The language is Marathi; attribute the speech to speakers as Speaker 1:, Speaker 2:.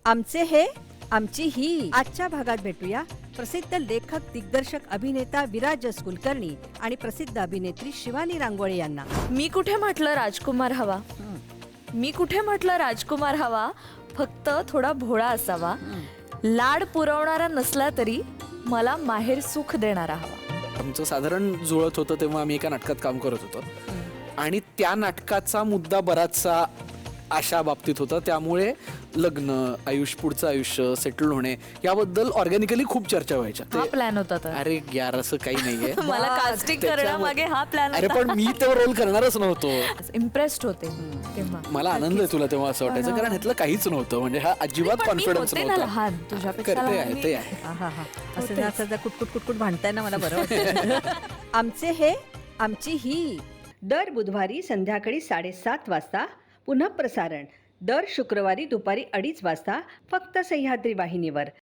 Speaker 1: आमचे हे आमची ही आजच्या भागात भेटूया प्रसिद्ध लेखक दिग्दर्शक अभिनेता विराज कुलकर्णी आणि प्रसिद्ध अभिनेत्री शिवानी रांगोळे यांना.
Speaker 2: मी कुठे म्हटलं राजकुमार हवा, मी कुठे म्हटलं राजकुमार हवा, फक्त थोडा भोळा असावा, लाड पुरवणारा नसला तरी मला माहेर सुख देणारा हवा.
Speaker 3: आमचं साधारण जुळत होतं तेव्हा आम्ही एका नाटकात काम करत होतो आणि त्या नाटकाचा मुद्दा बराचसा अशा बाबतीत होता, त्यामुळे लग्न, पुढचं आयुष्य, सेटल होणे याबद्दल ऑर्गॅनिकली खूप चर्चा व्हायच्या.
Speaker 2: हा प्लॅन होता तर
Speaker 3: अरे यार असं काही नाहीये.
Speaker 2: मला कास्टिंग करण्यामागे हा प्लॅन
Speaker 3: अरे पण मी तेव्हा रोल करणारच नव्हतो.
Speaker 2: इम्प्रेस्ड होते तेव्हा.
Speaker 3: मला आनंद आहे तुला तेव्हा असं वाटायचं, कारण ह्यातलं काहीच नव्हतं, म्हणजे हा अजिबात कॉन्फिडन्स नव्हता.
Speaker 2: लहान तुझ्यापेक्षा
Speaker 3: करते
Speaker 2: लहान
Speaker 3: आहे
Speaker 2: मी.
Speaker 3: ते आहे.
Speaker 1: असं जर असं जर कुटकुट कुटकुट भांडताय ना मला बरं वाटतं. आमचे हे आमची ही दर बुधवारी संध्याकाळी 7:30 वाजता पुनः प्रसारण दर शुक्रवारी दुपारी 2:30 वाजता फक्त सह्याद्री वाहिनीवर.